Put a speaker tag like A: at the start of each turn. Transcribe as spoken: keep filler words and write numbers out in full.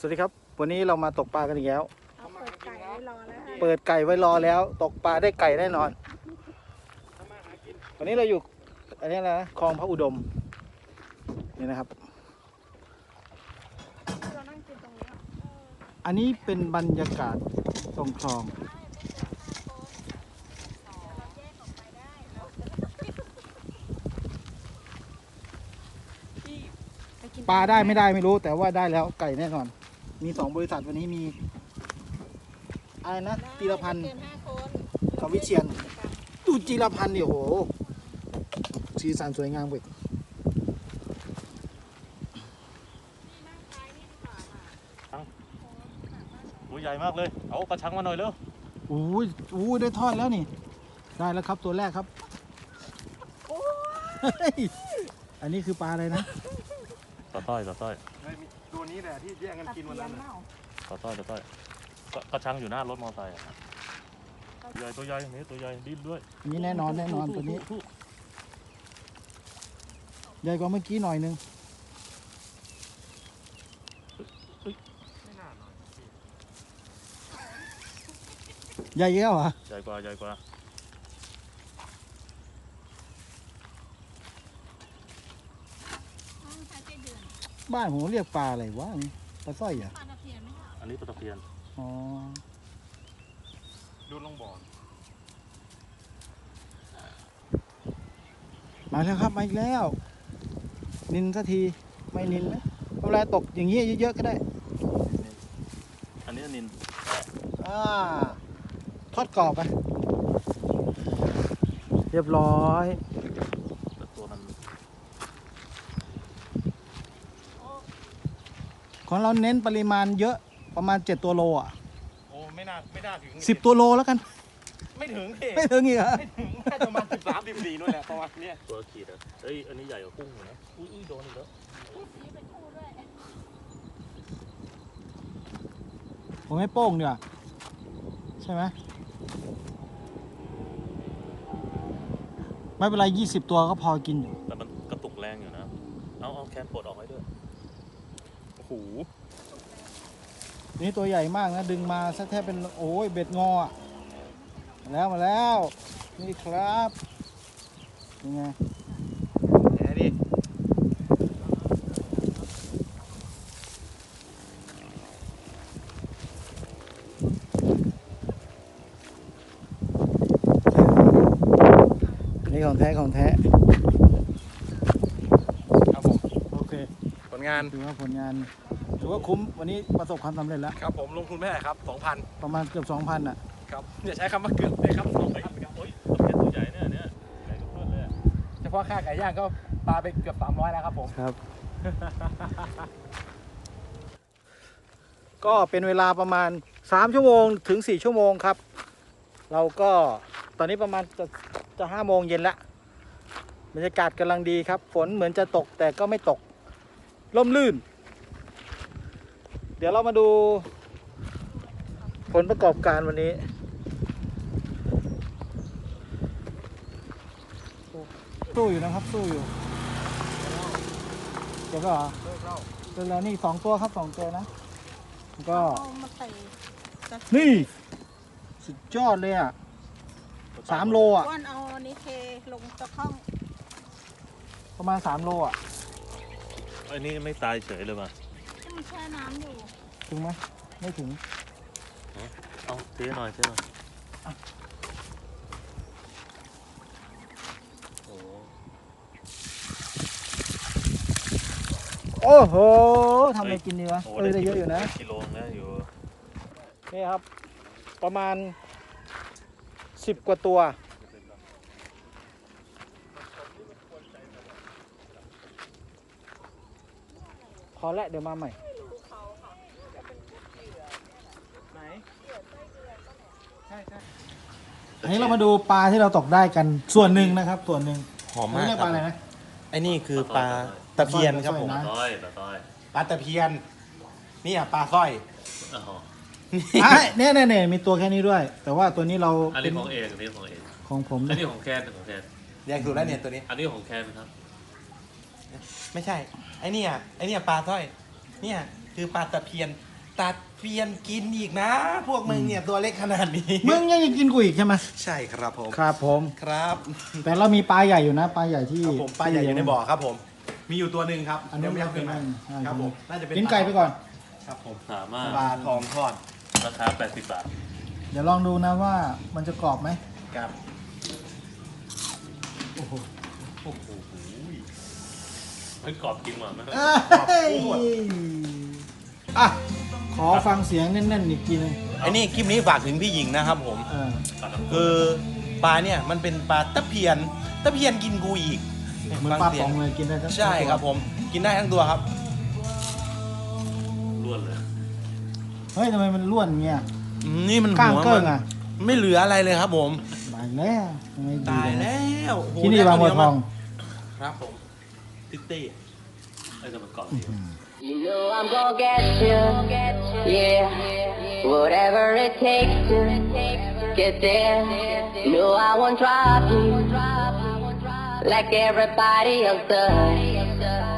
A: วัสดีครับวันนี้เรามาตกปลากันอีกแล้ว
B: เอาเปิดไก่ไว้รอแล้ว
A: เปิดไก่ไว้รอแล้ว ตกปลาได้ไก่แน่นอนวันนี้เราอยู่อันนี้นะคลองพระอุดมนี่นะครับ
B: เรานั่งกินตรงนี้
A: อันนี้เป็นบรรยากาศตรงคลองปลาได้ไม่ได้ไม่รู้แต่ว่าได้แล้วไก่แน่นอนมีสองบริษัทวันนี้มีอะไรนะจีรพันธ์กับวิเชียรดูจีรพันธ์เนี่ยโหสีสันสวยงามเว้ย
C: ตัวใหญ่มากเลยเอากระชังมาหน่อยเร็ว
A: โอ้ยโอ้ยได้ทอดแล้วนี่ได้แล้วครับตัวแรกครับอันนี้คือปลาอะไรนะ
C: ต่อต้อยต่อต้อย
D: ตัวนี้แหละที่แย่งกันกินวันนั้น
C: ต่อต้อยต่อต้อยกระชังอยู่หน้ารถมอเตอร์ไซค์ใหญ่ตัวใหญ่นี่ตัวใหญ่ดิ้นด้วย
A: นี่แน่นอนแน่นอนตัวนี้ใหญ่กว่าเมื่อกี้หน่อยนึงใหญ่เยอะเหรอ
C: ใหญ่กว่าใหญ่กว่า
A: บ้านผมเรียกปลาอะไรวะปลาสร้อยเหรอ
C: อันนี้ปลาตะเพียน
A: อ๋อ
D: ดูลงบ่อ
A: มาแล้วครับมาอีกแล้วนินสักทีไม่นินไหมเวลาตกอย่างนี้เยอะๆก็ได้
C: อันนี้นิน
A: อ่าทอดกรอบไปเรียบร้อย
C: ตัวมัน
A: ของเราเน้นปริมาณเยอะประมาณเจ็ดตัวโลอ่ะ
D: โอ้ไม่น่าไม่น่าถึง
A: สิบตัวโลแล้วกัน
D: ไม่ถึงพี่
A: ไม่ถึงอีกเหรอ
D: ไม่ถึงน่าจะประมาณสิบสามสิบสี่นู่นแหละประมาณนี้
C: ตัวขีดอ่ะเอ้ยอันนี้ใหญ่กว่ากุ้งอยู่นะอุ้ยโดนอีกแล้ว
A: ผมไม่โป้งเนี่ยใช่ไหมไม่เป็นไรยี่สิบตัวก็พอกินอยู่
C: แต่มันกระตุกแรงอยู่นะเอาเอาแคนปลดออกให้ด้วยโอ้โห
A: นี่ตัวใหญ่มากนะดึงมาซะแทบเป็นโอ้ยเบ็ดงอมาแล้วมาแล้วนี่ครับยังไง
D: แหนดิ
A: นี่ของแท้ของแท้
D: ครับผม
A: โอเค
D: ผลงาน
A: ถือว่าผลงานถือว่าคุ้มวันนี้ประสบความสำเร็จแล้ว
D: ครับผมลงทุนไม่ได้ครับสองพัน
A: ประมาณเกือบสองพันอ่ะ
D: ครับอย่าใช้คำว่าเกือบเลยครับสองพัน
C: โอ้ยตัวใหญ่เนี่ยเนี่ยใหญ่ทุกเพื่อนเลย
D: เฉพาะค่าไก่ย่างก็ปลาไปเกือบสามร้อยแล้วครับผม
A: ครับ ก็เป็นเวลาประมาณสามชั่วโมงถึงสี่ชั่วโมงครับเราก็ตอนนี้ประมาณจะจะห้าโมงเย็นแล้วบรรยากาศกำลังดีครับฝนเหมือนจะตกแต่ก็ไม่ตกร่มรื่นเดี๋ยวเรามาดูผลประกอบการวันนี้สู้อยู่นะครับสู้อยู่เดี๋ยวก็เหรอเดี๋ยวแล้วนี่สองตัวครับสองตัวนะก็นี่สุดยอดเลยอ่ะสามโลอ่ะ
B: ก้อนเอาอันนี้เทลงตะข้อง
A: ประมาณสามโลอ่ะ
C: อันนี้ไม่ตายเฉยเลยป่ะ
B: มันแช่น้ำอยู่
A: ถึงไหมไม่ถึง
C: เอาเทหน่อยเทหน่อย
A: โอ้โหทำอะไรกินดีวะเออได้เยอะอยู่นะ
C: กิโลนะอยู่
A: นี่ครับประมาณสิบกว่าตัวพอแล้วเดี๋ยวมาใหม่ไหนใช่ใช่อันนี้เรามาดูปลาที่เราตกได้กันส่วนหนึ่งนะครับส่วนหนึ่ง
D: หอมมาก
A: เรียกปลาอะไรนะ
D: ไอ้นี่คือปลาตะเพียนครับผม
C: ปลาต้อยปลาต้อย
D: ปลาตะเพียนนี่อ่ะปลาสร้อย
A: เนี่ยเนี่ยเนี่ยมีตัวแค่นี้ด้วยแต่ว่าตัวนี้เรา
C: อันนี้ของเอกอันนี้ของเอก
A: ของผม
C: อันนี้ของแคนของแคน
D: แยกถูกแล้วเนี่ยตัวนี้
C: อันนี้ของแคนครับ
D: ไม่ใช่ไอ้นี่อ่ะไอ้นี่ปลาสร้อยเนี่ยคือปลาตะเพียน
E: ตัดเปลี่ยนกินอีกนะ พวกมึงเนี่ยตัวเล็กขนาดนี้
A: มึงยังจะกินกูอีกใช่ไหม
E: ใช่ครับผม
A: ครับผม
E: ครับ
A: แต่เรามีปลาใหญ่อยู่นะปลาใหญ่ที่
E: ครับผมปลาใหญ่อยู่ในบ่อครับผม มีอยู่ตัวหนึ่งครับ
A: อันนี้
E: เดี๋ยวไม่
A: ไม่
E: เอา
A: เป็
E: ขึ้
A: น
E: น
A: ไร
E: มาครับผมน่าจะเป็น
A: กินไก่ไปก่อน
E: ครับผม
C: สามารถ
E: ปลาทองทอด
C: ราคาแปดสิบบาท
A: เดี๋ยวลองดูนะว่ามันจะกรอบไหม
E: ครับ
C: โอ้โหเฮ้ยกรอบจริงว่ะไม่ต้อง
A: เอ้ยอ่ะขอฟังเสียงแน่นๆอีกทีหนึง
E: ไอ้นี่คลิปนี้ฝากถึงพี่หญิงนะครับผม
A: เออ
E: คือปลาเนี่ยมันเป็นปลาตะเพียนตะเพียนกินกูอีก
A: เหมือนปลาป๋องเลยกินได้ทั้ง
E: ใช่ครับผม กินได้ทั้งตัวครับ
C: ล้วนเลย
A: เฮ้ยทำไมมันร่วนเงี้ย
E: อืมนี่มัน
A: กล้าง
E: หัว
A: เกิ้
E: มั
A: ง
E: น
A: อ่ะ
E: ไม่เหลืออะไรเลยครับผม
A: ตายแล้วทำไมดี
E: ตาย
A: จัง
E: แล้วโอ้โห
A: ที่นี่บางบัวทอง
E: ครับผมติ๊ตตี้
C: ไอ้แต่มันกรอบจริง
F: You know I'm gonna get you, yeah. Whatever it takes to get there. No, I won't drop you like everybody else does.